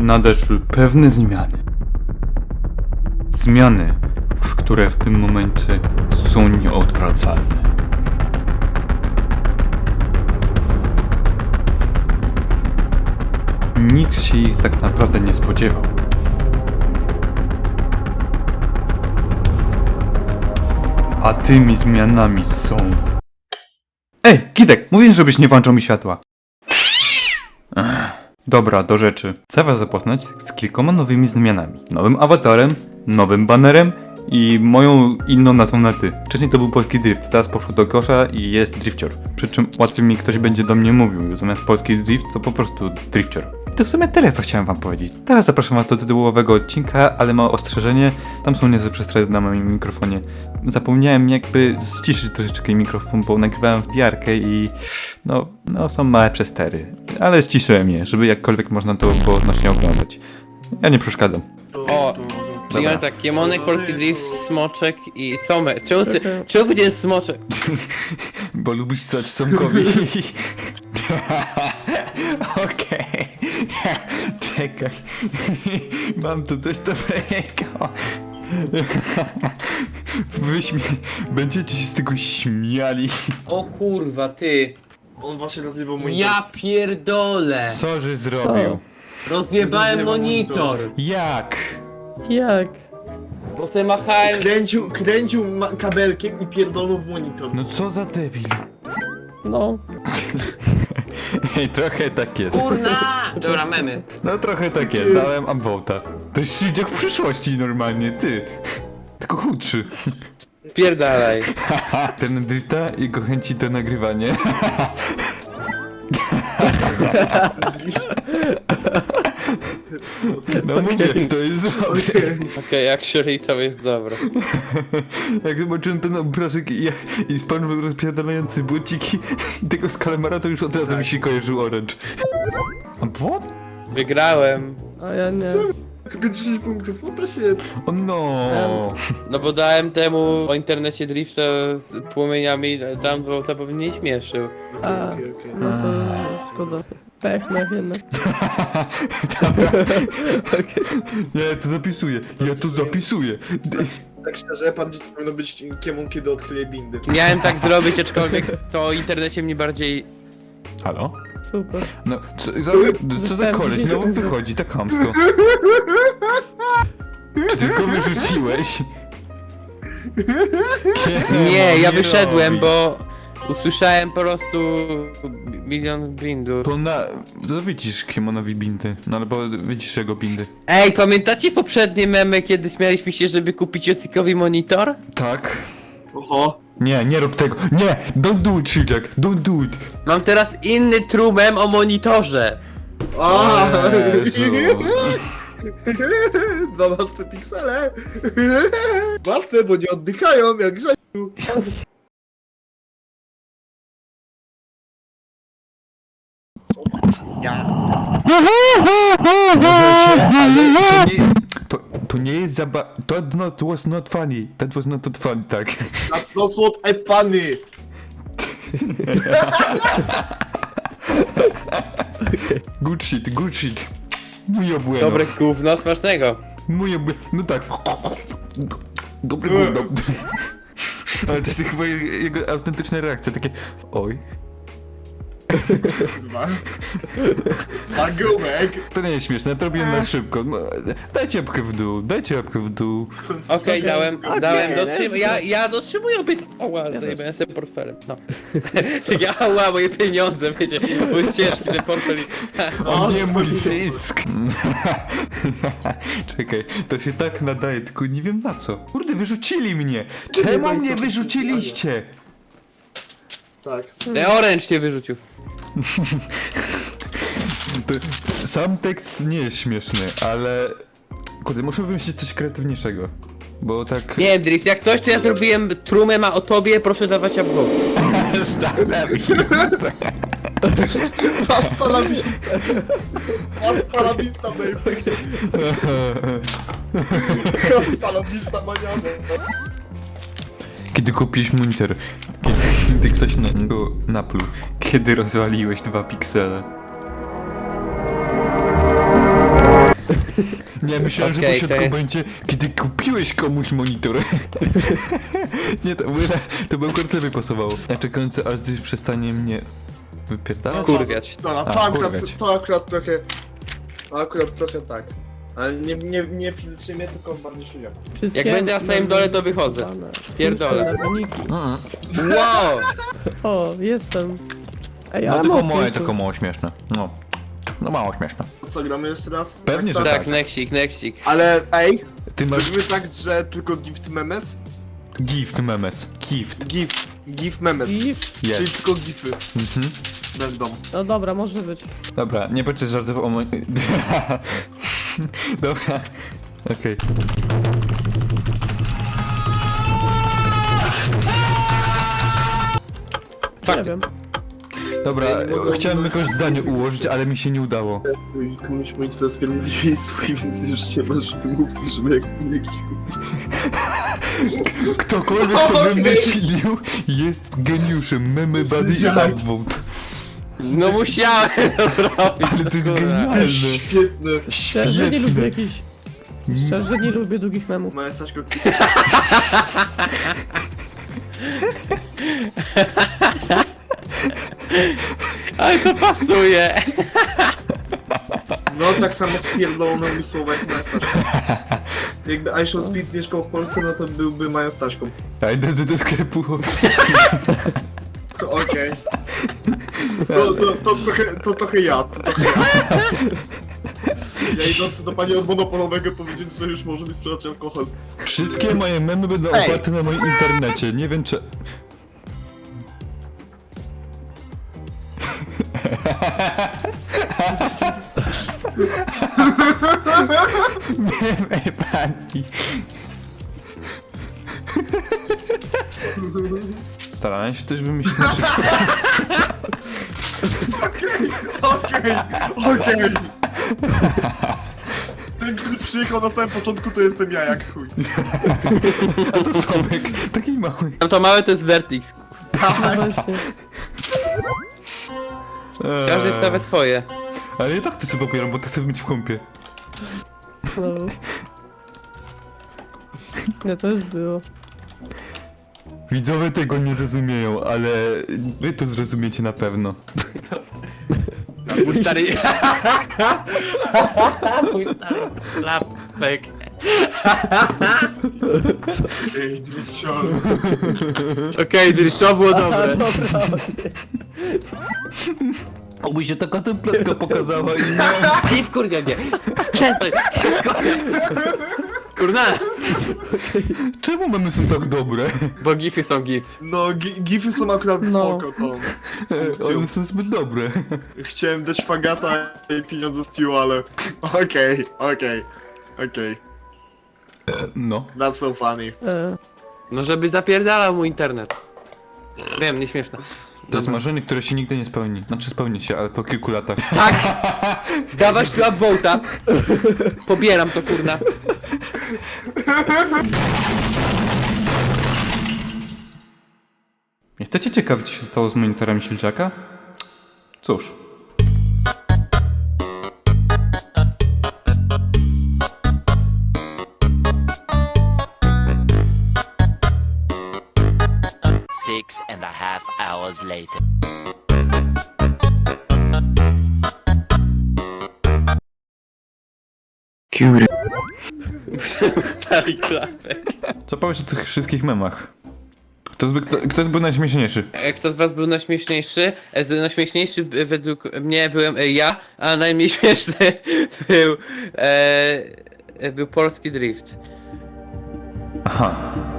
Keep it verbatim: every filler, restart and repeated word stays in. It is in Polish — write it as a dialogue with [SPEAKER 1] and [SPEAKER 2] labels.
[SPEAKER 1] nadeszły pewne zmiany. Zmiany, w które w tym momencie są nieodwracalne. Nikt się ich tak naprawdę nie spodziewał. A tymi zmianami są... Ej, Kidek, mówiłem, żebyś nie włączał mi światła. Ech, dobra, do rzeczy. Chcę was zapoznać z kilkoma nowymi zmianami. Nowym awatarem, nowym banerem i moją inną nazwą na ty. Wcześniej to był polski drift, teraz poszło do kosza i jest drifcior. Przy czym łatwiej mi ktoś będzie do mnie mówił, zamiast polski drift to po prostu drifcior. To w sumie tyle, co chciałem wam powiedzieć. Teraz zapraszam was do tytułowego odcinka, ale małe ostrzeżenie. Tam są niezłe przestroje na moim mikrofonie. Zapomniałem jakby ściszyć troszeczkę mikrofon, bo nagrywałem w wiarkę i no, no są małe przestery. Ale ściszyłem je, żeby jakkolwiek można to było odnośnie oglądać. Ja nie przeszkadzam.
[SPEAKER 2] O, czyli mam tak, Kiemonek, Polski Drift, Smoczek i Somek. Czemu, czemu będzie Smoczek?
[SPEAKER 1] Bo lubisz stać Somkowi. Okej. Czekaj. Mam tu coś dobrego. Wyśmie... Będziecie się z tego śmiali.
[SPEAKER 2] O kurwa, ty.
[SPEAKER 3] On właśnie rozrywał mój
[SPEAKER 2] Ja pierdolę.
[SPEAKER 1] Co że zrobił?
[SPEAKER 2] Rozjebałem
[SPEAKER 3] Rozjebał
[SPEAKER 2] monitor.
[SPEAKER 1] Jak?
[SPEAKER 4] Jak?
[SPEAKER 2] Bo se machałem...
[SPEAKER 3] Kręcił, kręcił ma- kabelkiem i pierdolnął w monitor.
[SPEAKER 1] No co za debil.
[SPEAKER 4] No.
[SPEAKER 1] Ej, trochę tak jest.
[SPEAKER 2] Kurna! Dobra, memy.
[SPEAKER 1] No trochę tak jest, dałem upvote'a. To jest shit jak w przyszłości normalnie, ty. Tylko chudszy.
[SPEAKER 2] Pierdalaj.
[SPEAKER 1] Ten drifta, jego chęci do nagrywania. No mówię, to jest dobre.
[SPEAKER 2] Okej, jak Shuri to jest dobre.
[SPEAKER 1] Jak zobaczyłem ten obrazek i, i SpongeBob rozpierdalający błociki i tego z kalamara, to już od razu mi się kojarzył Orange. Upvote?
[SPEAKER 2] Wygrałem.
[SPEAKER 4] A ja nie.
[SPEAKER 3] Tylko dziesięć punktów, o to się...
[SPEAKER 1] O no.
[SPEAKER 2] No bo dałem temu o internecie drifta z płomieniami, dałem dwa, bo mnie nie śmieszył.
[SPEAKER 4] A,
[SPEAKER 3] Okej, okej.
[SPEAKER 4] no to szkoda. Pech na jednak.
[SPEAKER 1] Ja to zapisuję, ja to zapisuję.
[SPEAKER 3] Tak szczerze, pan dziś powinno być kiemon, kiedy odkryje bindy.
[SPEAKER 2] Miałem tak zrobić, aczkolwiek to o internecie mnie bardziej...
[SPEAKER 1] Halo?
[SPEAKER 4] Super.
[SPEAKER 1] No, co, za, co za koleś, no wychodzi tak chamsko. Czy tylko wyrzuciłeś?
[SPEAKER 2] Nie, ja
[SPEAKER 1] nie
[SPEAKER 2] wyszedłem,
[SPEAKER 1] robi.
[SPEAKER 2] bo usłyszałem po prostu milion bindów.
[SPEAKER 1] To na... Co widzisz Kiemonowi bindy? No albo widzisz jego bindy.
[SPEAKER 2] Ej, pamiętacie poprzednie memy, kiedy śmialiśmy się, żeby kupić Josikowi monitor?
[SPEAKER 1] Tak?
[SPEAKER 3] Oho.
[SPEAKER 1] Nie, nie rób tego. Nie! Don't do it, Shijak! Don't do it!
[SPEAKER 2] Mam teraz inny true mem o monitorze.
[SPEAKER 3] A,
[SPEAKER 1] Jezu.
[SPEAKER 3] Dwa martwe piksele. Martwe, bo nie oddychają, jak Grzesiu. Ja.
[SPEAKER 1] Możecie, ale to nie... To, to nie jest zaba... That not, was not funny. That was not funny, tak.
[SPEAKER 3] That's not what I funny.
[SPEAKER 1] Good shit, good shit. Muy bueno.
[SPEAKER 2] Dobre gówno, smacznego.
[SPEAKER 1] Muy bueno. No tak. Dobry gówno. Ale to jest chyba jego autentyczna reakcja, takie... Oj.
[SPEAKER 3] Kurwa. Pagołek.
[SPEAKER 1] To nie jest śmieszne, to robiłem na szybko. No, dajcie łapkę w dół, dajcie łapkę w dół.
[SPEAKER 2] Okej, dałem,
[SPEAKER 3] Okej,
[SPEAKER 2] dałem,
[SPEAKER 3] let's
[SPEAKER 2] dotrzym...
[SPEAKER 3] go.
[SPEAKER 2] ja, ja dotrzymuję obiet... Oła, zajebałem sobie portfelem, no. Ja, ała, moje pieniądze, wiecie, mój ciężki ten portfel i...
[SPEAKER 1] O nie, mój zysk! Czekaj, to się tak nadaje, tylko nie wiem na co. Kurde, wyrzucili mnie! Czemu
[SPEAKER 3] wiem,
[SPEAKER 1] mnie
[SPEAKER 3] co to
[SPEAKER 1] wyrzuciliście?
[SPEAKER 3] Tak.
[SPEAKER 2] Ten Orange cię wyrzucił.
[SPEAKER 1] To, sam tekst nie jest śmieszny, ale... Kurde, muszę wymyślić coś kreatywniejszego. Bo tak...
[SPEAKER 2] Nie wiem, Drift, jak coś, to ja zrobiłem true mema o tobie, proszę dawać upvote.
[SPEAKER 1] Staram się.
[SPEAKER 3] Pasta la vista. Pasta la vista, baby. Pasta la vista, maniano.
[SPEAKER 1] Kiedy kupiłeś monitor, kiedy, kiedy ktoś na niego napluł, kiedy rozwaliłeś dwa piksele. Nie, myślałem,
[SPEAKER 2] Okej,
[SPEAKER 1] że pośrodku
[SPEAKER 2] to jest-
[SPEAKER 1] będzie, kiedy kupiłeś komuś monitor. Nie, to, by- to by akurat lepiej pasowało. Ja czekający, aż gdzieś przestanie mnie wypierdalać.
[SPEAKER 2] Kurwiać.
[SPEAKER 3] No,
[SPEAKER 1] A,
[SPEAKER 3] to, akurat,
[SPEAKER 1] kurwiać.
[SPEAKER 3] to akurat trochę... To akurat trochę tak. Ale nie, nie, nie fizycznie mnie, tylko bardziej szybko.
[SPEAKER 4] Wszystkie
[SPEAKER 2] Jak będę na samym dole, to wychodzę.
[SPEAKER 4] zbudowane.
[SPEAKER 2] Pierdolę.
[SPEAKER 4] Puszczę na koniki.
[SPEAKER 1] Mm.
[SPEAKER 2] Wow!
[SPEAKER 4] O, jestem. Ej,
[SPEAKER 1] No
[SPEAKER 4] ale
[SPEAKER 1] tylko
[SPEAKER 4] mokro
[SPEAKER 1] moje,
[SPEAKER 4] tu.
[SPEAKER 1] tylko mało śmieszne. No. No mało śmieszne.
[SPEAKER 3] Co, gramy jeszcze raz?
[SPEAKER 1] Pewnie,
[SPEAKER 3] tak,
[SPEAKER 1] że
[SPEAKER 2] Tak,
[SPEAKER 1] tak.
[SPEAKER 2] nexik, nexik.
[SPEAKER 3] Ale ej,
[SPEAKER 1] Ty masz
[SPEAKER 3] robimy tak, że tylko gift memes?
[SPEAKER 1] gift memes. Gift.
[SPEAKER 3] Gift, gift memes.
[SPEAKER 4] I...
[SPEAKER 3] Czyli
[SPEAKER 1] Jest.
[SPEAKER 3] tylko gify
[SPEAKER 1] Mhm.
[SPEAKER 3] będą.
[SPEAKER 4] No dobra, może być.
[SPEAKER 1] Dobra, nie będę żartował o moim... Dobra. Okej.
[SPEAKER 2] Fakty.
[SPEAKER 4] Nie wiem.
[SPEAKER 1] Dobra, chciałem jakoś zdanie ułożyć, ale mi się nie udało.
[SPEAKER 3] Komuś mój to jest pierwszy swój, więc już się masz wymówki, żeby jak jakiś...
[SPEAKER 1] Ktokolwiek to
[SPEAKER 3] Okej.
[SPEAKER 1] wymyślił jest geniuszem. Memy buddy i
[SPEAKER 3] Ja-
[SPEAKER 1] upvote.
[SPEAKER 2] No musiałem to zrobić.
[SPEAKER 1] Ale to jest
[SPEAKER 2] kurwa.
[SPEAKER 1] genialne.
[SPEAKER 3] Świetne.
[SPEAKER 4] Szczerze nie lubię
[SPEAKER 1] Świetne.
[SPEAKER 4] jakichś... Szczerze nie lubię długich memów.
[SPEAKER 3] Moja Staśko...
[SPEAKER 2] Ale to pasuje.
[SPEAKER 3] No tak samo spierdolono mi słowa jak moja Staśko. Jakby I Shall Speed mieszkał w Polsce, no to byłby moją Staśką.
[SPEAKER 1] Ja idę do, do sklepu.
[SPEAKER 3] Okej. To, to, to, trochę, to trochę ja, to trochę ja. Ja idący do pani od monopolowego powiedzieć, że już może mi sprzedać alkohol.
[SPEAKER 1] Wszystkie moje memy będą
[SPEAKER 3] Ej.
[SPEAKER 1] oparte na moim internecie. Nie wiem czy... Memy pani. Starałem się coś wymyślić na szybko.
[SPEAKER 3] Okej, okej. Ten, który przyjechał na samym początku, to jestem ja jak chuj.
[SPEAKER 1] A to Sobek, taki mały.
[SPEAKER 2] Tam to małe to jest Vertix.
[SPEAKER 4] No właśnie.
[SPEAKER 2] Każdy
[SPEAKER 1] Eee,
[SPEAKER 2] stawia swoje.
[SPEAKER 1] Ale ja tak to sobie popieram, bo to chcę być w kąpie.
[SPEAKER 4] No. No to już było.
[SPEAKER 1] Widzowie tego nie zrozumieją, ale wy to zrozumiecie na pewno.
[SPEAKER 2] Mój stary... Mój stary klapek.
[SPEAKER 3] Ej, dricior.
[SPEAKER 2] Okej, Dries, to było dobre.
[SPEAKER 1] Oby się taka templetka pokazała i nie...
[SPEAKER 2] Nie wkurwia mnie. Przestań. Kurna.
[SPEAKER 1] Czemu mamy są tak dobre?
[SPEAKER 2] Bo gify są git.
[SPEAKER 3] No, gi- gify są akurat
[SPEAKER 4] No.
[SPEAKER 3] spoko, to...
[SPEAKER 1] One są zbyt dobre.
[SPEAKER 3] Chciałem dać fagata i pieniądze z Tiu, ale... Okej, okej, okej.
[SPEAKER 1] No.
[SPEAKER 3] That's so funny.
[SPEAKER 4] E,
[SPEAKER 2] No żeby zapierdalał mu internet. Wiem, nieśmieszne.
[SPEAKER 1] To jest marzenie, które się nigdy nie spełni. Znaczy spełni się, ale po kilku latach.
[SPEAKER 2] Tak! Dawać tu upvote'a. Pobieram to, kurna.
[SPEAKER 1] Jesteście ciekawi, co się stało z monitorem Silczaka? Cóż.
[SPEAKER 5] Six and a half hours later.
[SPEAKER 2] Stary klapek.
[SPEAKER 1] Co powiesz o tych wszystkich memach? Kto, zby, kto, kto był najśmieszniejszy?
[SPEAKER 2] E, Kto z was był najśmieszniejszy? E, z- Najśmieszniejszy e, według mnie byłem e, ja, a najmniej śmieszny był... E, e, był polski drift.
[SPEAKER 1] Aha.